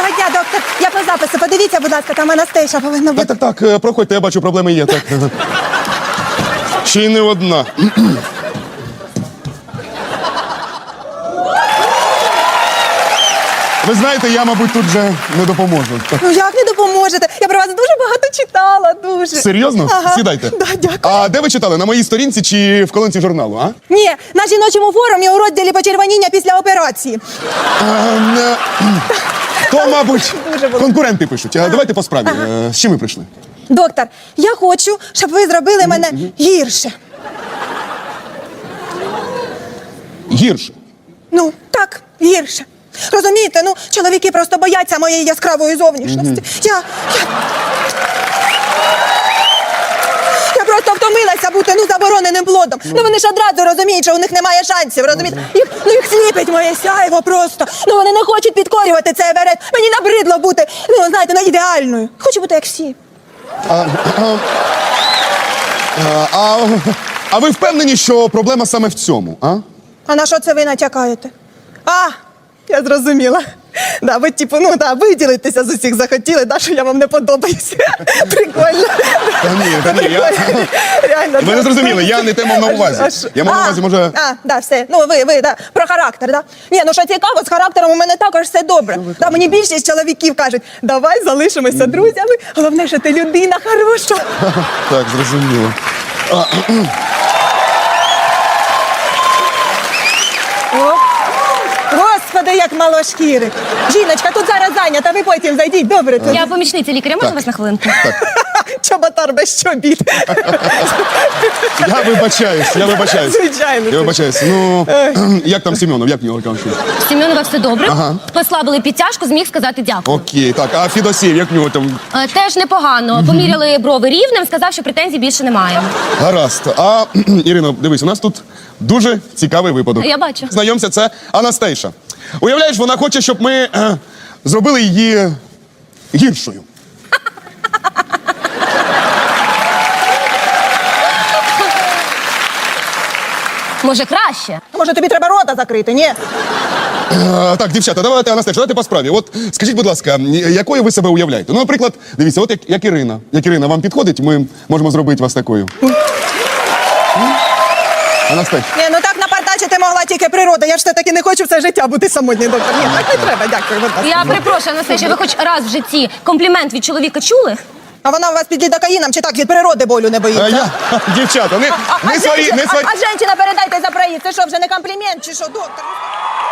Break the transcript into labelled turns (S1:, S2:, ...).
S1: Доброго дня, доктор. Я по запису. Подивіться, будь ласка, там Анастейша повинна бути.
S2: Так, проходьте, я бачу, проблеми є. Так. Ще й не одна. Ви знаєте, я, мабуть, тут вже не допоможу.
S1: Ну як не допоможете? Я про вас дуже багато читала, дуже.
S2: Серйозно?
S1: Ага.
S2: Сідайте.
S1: Да, дякую.
S2: А де ви читали? На моїй сторінці чи в колонці журналу, а?
S1: Ні, на жіночому форумі у розділі почервоніння після операції.
S2: То, мабуть,
S1: Дуже було.
S2: конкуренти пишуть. А давайте по справі. З чим ви прийшли?
S1: Доктор, я хочу, щоб ви зробили мене гірше.
S2: Гірше.
S1: Ну, так, гірше. Розумієте, ну, чоловіки просто бояться моєї яскравої зовнішності. Я просто втомилася бути, забороненим плодом. Ну, вони ж одразу розуміють, що у них немає шансів, розумієте? Їх сліпить моє сяйво просто. Ну, вони не хочуть підкорювати цей Еверест. Мені набридло бути, знаєте, ідеальною. Хочу бути як всі.
S2: А ви впевнені, що проблема саме в цьому, а?
S1: А на що це ви натякаєте? Я зрозуміла. Да, ви, виділитися з усіх захотіли, що я вам не подобаюся. Прикольно.
S2: Та ні, я...
S1: Реально.
S2: Ви не зрозуміли, я не те мав на увазі. Я мав на увазі, може...
S1: Все. Ви, про характер, да? Ні, що цікаво, з характером у мене також все добре. Да, мені більшість чоловіків кажуть, давай залишимося друзями, головне, що ти людина хороша.
S2: Так, зрозуміло.
S1: Господи, як мало шкіри. Жіночка, тут зараз зайнята, ви потім зайдіть, добре тут.
S3: Я помічниця лікаря, можна вас на хвилинку?
S1: Чоботар без чобіт.
S2: Я вибачаюсь.
S1: Звичайно.
S2: Я вибачаюсь. Як там Семенов, як в нього там щось?
S3: Семенова все добре. Послабили підтяжку, зміг сказати дякую.
S2: Окей, так, а Фідосів, як в нього там?
S3: Теж непогано. Поміряли брови рівнем, сказав, що претензій більше немає.
S2: Гаразд. А, Ірино, дивись, у нас тут дуже цікавий випадок.
S3: Я бачу.
S2: Знайомся, це Анастейша. Уявляєш, вона хоче, щоб ми зробили її гіршою.
S3: Може, краще?
S1: Може, тобі треба рота закрити, ні?
S2: Так, дівчата, давайте, Анастейша, давайте по справі. От скажіть, будь ласка, якою ви себе уявляєте? Ну, наприклад, дивіться, от як Ірина. Як Ірина вам підходить, ми можемо зробити вас такою. Анастейша.
S1: Ні, так напартачити могла тільки природа. Я ж все-таки не хочу все життя бути самотній, доктор. Ні, так не треба, дякую. Будь ласка.
S3: Я перепрошую, Анастасія, ви хоч раз в житті комплімент від чоловіка чули?
S1: А вона у вас під лідокаїном чи так від природи болю не боїться?
S2: Дівчата, не сварі.
S1: А жінчина, передайте за проїзд. Це що, вже не комплімент чи що, доктор?